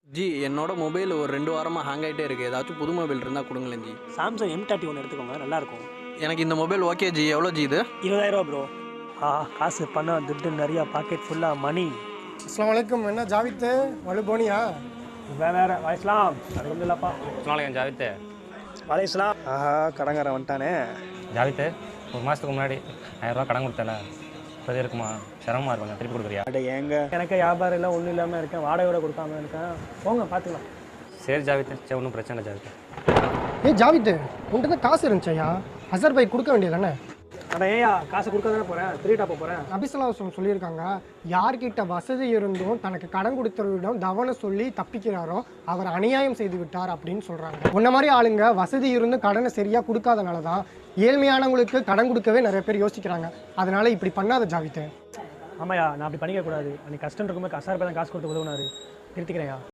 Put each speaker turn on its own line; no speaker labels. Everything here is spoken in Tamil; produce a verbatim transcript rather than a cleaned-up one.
ஜி என்னோட மொபைல் ஒரு ரெண்டு வாரமாக ஹேங் ஆகிட்டே இருக்குது. ஏதாச்சும் புது மொபைல் இருந்தால் கொடுங்களேன் ஜி.
சாம்சங் எம் தேர்ட்டி ஒன்று எடுத்துக்கோங்க, நல்லாயிருக்கும்.
எனக்கு இந்த மொபைல் ஓகே ஜி. எவ்வளோ ஜி இது?
இருபதாயிரரூவா ப்ரோ. ஆ காசு பணம் துட்டு நிறையா, பாக்கெட் ஃபுல்லாக மணி.
அஸ்ஸலாமு அலைக்கும். என்ன ஜாவித்து வலு போனியா?
வேறு வேறு வயசுலாம் அது இல்லைப்பா.
அஸ்ஸலாமு ஜாவித்து.
வலைஸ்லாம். ஆஹா கடங்காரன் வந்துட்டானே.
ஜாவித்து, ஒரு மாதத்துக்கு முன்னாடி ஆயிரரூவா கடன் கொடுத்தல, இப்போ இருக்குமா? சிரமமாக இருக்கும், திருப்பி கொடுக்குறியா?
அட ஏங்க, எனக்கு வியாபாரம் இல்லை, ஒன்றும் இல்லாமல் இருக்கேன், வாடகையோட கொடுக்காம இருக்கேன். போங்க பார்த்துக்கலாம்.
சரி ஜாவித்து, சரி ஒன்றும் பிரச்சனை இல்லை ஜாவித்து.
ஏய் ஜாவித்து, உன்கிட்ட தான் காசு இருந்துச்சையா, ஹசர் பைக் கொடுக்க வேண்டியதானே?
அட ஏயா, காசு கொடுக்க தானே போகிறேன், திருட்டா போகிறேன்.
நபிசல்லாம் சொல்லியிருக்காங்க, யார்கிட்ட வசதி இருந்தும் தனக்கு கடன் கொடுத்தவரிடம் தவணை சொல்லி தப்பிக்கிறாரோ அவர் அநியாயம் செய்து விட்டார் அப்படின்னு சொல்கிறாங்க. உன்ன மாதிரி ஆளுங்க வசதி இருந்தும் கடனை சரியாக கொடுக்காதனால தான் ஏழ்மையானவங்களுக்கு கடன் கொடுக்கவே நிறைய பேர் யோசிக்கிறாங்க. அதனால இப்படி பண்ணாத ஜாவித்து.
ஆமாயா, நான் அப்படி பண்ணிக்கக்கூடாது. அன்றைக்கி கஷ்டம் இருக்கும்போது கசார் தான் காசு கொடுத்து உதவுனாரு. திருத்திக்கிறேன்யா.